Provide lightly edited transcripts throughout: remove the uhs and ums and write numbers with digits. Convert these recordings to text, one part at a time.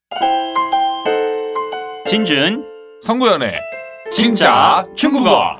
진준 성구연의 진짜 중국어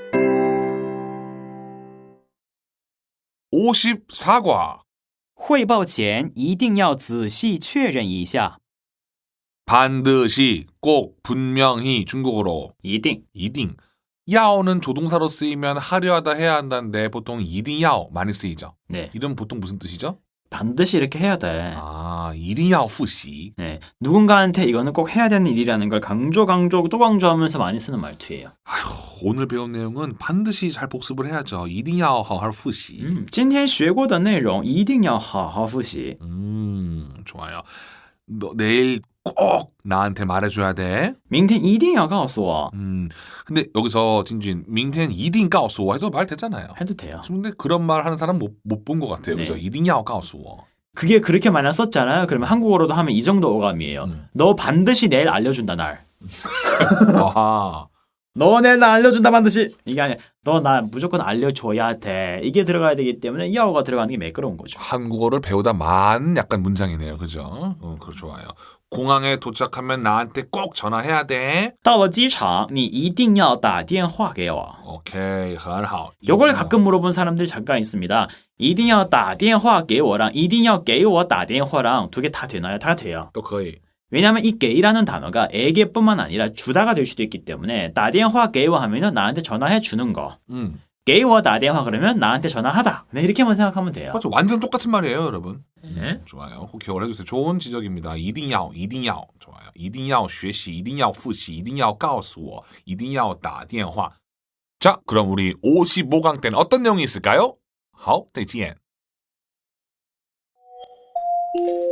54과 汇报前一定要仔细确认一下 반드시 꼭 분명히 중국어로 一定 이딩 야오는 조동사로 쓰이면 하려 하다 해야 한다는데 보통 이딩야오 많이 쓰이죠. 네, 이름 보통 무슨 뜻이죠? 반드시 이렇게 해야 돼. 아, 이딩야오 푸시. 네, 누군가한테 이거는 꼭 해야 되는 일이라는 걸 강조 또 강조하면서 많이 쓰는 말투예요. 아휴, 오늘 배운 내용은 반드시 잘 복습을 해야죠. 이딩야오 하할 푸시. 今天学过的内容一定要好好复习. 좋아요. 너 내일 꼭 나한테 말해줘야 돼. 明天一定要告诉我. 근데 여기서 진주인 민텐 이딩 가오스워 해도 말 되잖아요. 해도 돼요. 근데 그런 말 하는 사람 못 본 것 같아요. 네. 그죠? 이딩야오 가오스워. 그게 그렇게 많이 썼잖아요. 그러면 한국어로도 하면 이 정도 어감이에요. 너 반드시 내일 알려준다 날. 아하. 너 내일 나 알려준다 반드시. 이게 아니야. 너 나 무조건 알려줘야 돼. 이게 들어가야 되기 때문에 야오가 들어가는 게 매끄러운 거죠. 한국어를 배우다 만 약간 문장이네요. 그죠? 그거 좋아요. 공항에 도착하면 나한테 꼭 전화해야 돼. 到了机场你一定要打电话给我. 오케이, 很好. 요걸 가끔 물어본 사람들이 잠깐 있습니다. 一定要打电话给我랑 一定要给我打电话랑 두 개 다 되나요? 다 돼요. 또 거의. 왜냐하면 이 게이라는 단어가 에게뿐만 아니라 주다가 될 수도 있기 때문에 打电话给我 하면은 나한테 전화해 주는 거. 给我打电话 그러면 나한테 전화하다. 그냥 이렇게만 생각하면 돼요. 맞죠? 완전 똑같은 말이에요, 여러분. 네. 좋아요. 꼭 기억을 해주세요. 좋은 지적입니다. 一定要 좋아요. 一定要学习一定要复习一定要告诉我一定要打电话. 자, 그럼 우리 55강 때는 어떤 내용이 있을까요? 好，再见。